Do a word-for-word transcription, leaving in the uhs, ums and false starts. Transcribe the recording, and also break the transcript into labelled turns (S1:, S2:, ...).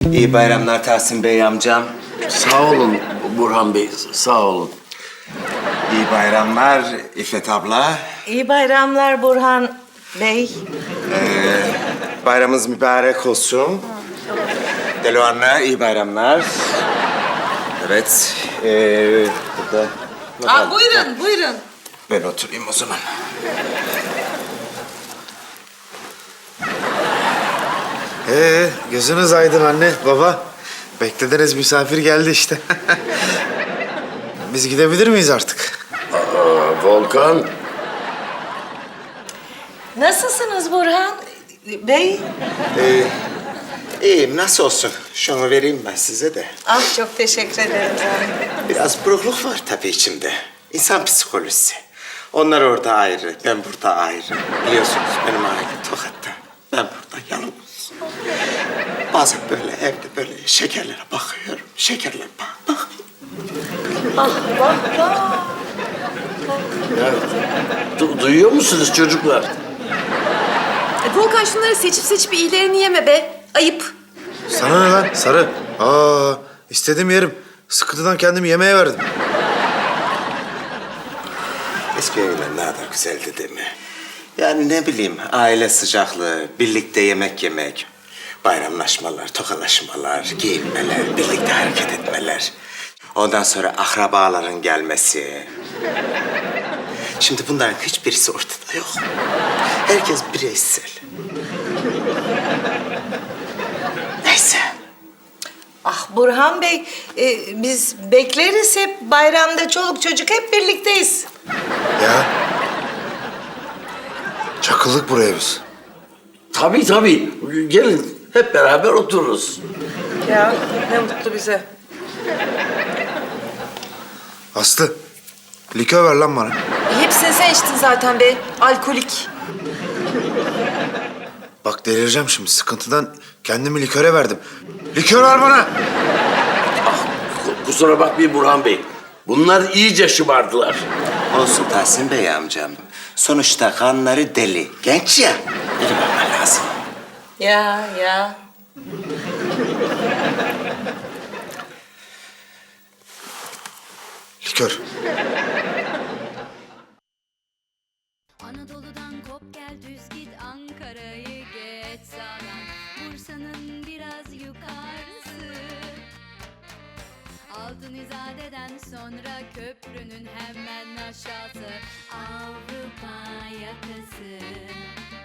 S1: İyi bayramlar Tahsin Bey amcam.
S2: Sağ olun Burhan Bey, sağ olun.
S1: İyi bayramlar İffet abla.
S3: İyi bayramlar Burhan Bey.
S1: Bayramınız mübarek olsun. Delo anne, iyi bayramlar. Evet, ee, burada... ne
S3: Aa,
S1: kaldı?
S3: buyurun, buyurun.
S1: Ben oturayım o zaman.
S4: Ee, gözünüz aydın anne, baba. Beklediğiniz misafir geldi işte. Biz gidebilir miyiz artık?
S2: Aa, Volkan,
S3: Nasılsınız Burhan Bey?
S1: Ee, iyiyim, nasıl olsun? Şunu vereyim ben size de.
S3: Ah, çok teşekkür ederim canım.
S1: Biraz burukluk var tabii içimde. İnsan psikolojisi. Onlar orada ayrı, ben burada ayrı. Biliyorsunuz benim aile Tokat'ta. Ben burada yalnız. Bazen böyle evde böyle şekerlere bakıyorum. Şekerlere bak, bak.
S2: ya, du- duyuyor musunuz çocuklar?
S5: E, Volkan şunları seçip seçip iyilerini yeme be. Ayıp.
S4: Sana ne lan sarı? Aa, istedim yerim. Sıkıntıdan kendimi yemeğe verdim.
S1: Eski evler ne kadar güzeldi değil mi? Yani ne bileyim, aile sıcaklığı, birlikte yemek yemek, bayramlaşmalar, tokalaşmalar, giyinmeler, birlikte hareket etmeler. Ondan sonra akrabaların gelmesi. Şimdi bunların hiçbirisi ortada yok. Herkes bireysel. Neyse.
S3: Ah Burhan Bey, e, biz bekleriz hep bayramda çoluk çocuk hep birlikteyiz.
S4: Ya. Çakıldık buraya biz.
S2: Tabii tabii, gelin hep beraber otururuz.
S5: Ya ne mutlu bize.
S4: Aslı, likör ver lan bana.
S5: E, hepsini sen içtin zaten be. Alkolik.
S4: Bak delireceğim şimdi. Sıkıntıdan kendimi liköre verdim. Likör ver bana.
S2: Ku- Kusura bakmayın Burhan Bey, bunlar iyice şımardılar.
S1: Olsun Tahsin Bey amcam. Sonuçta kanları deli. Genç ya. Biri bakman lazım.
S3: Ya ya.
S4: Likör.
S6: Anadolu'dan kop gel düz git Ankara'yı geç sağdan Bursa'nın biraz yukarısı Altın İzade'den sonra köprünün hemen aşağısı Avrupa yakası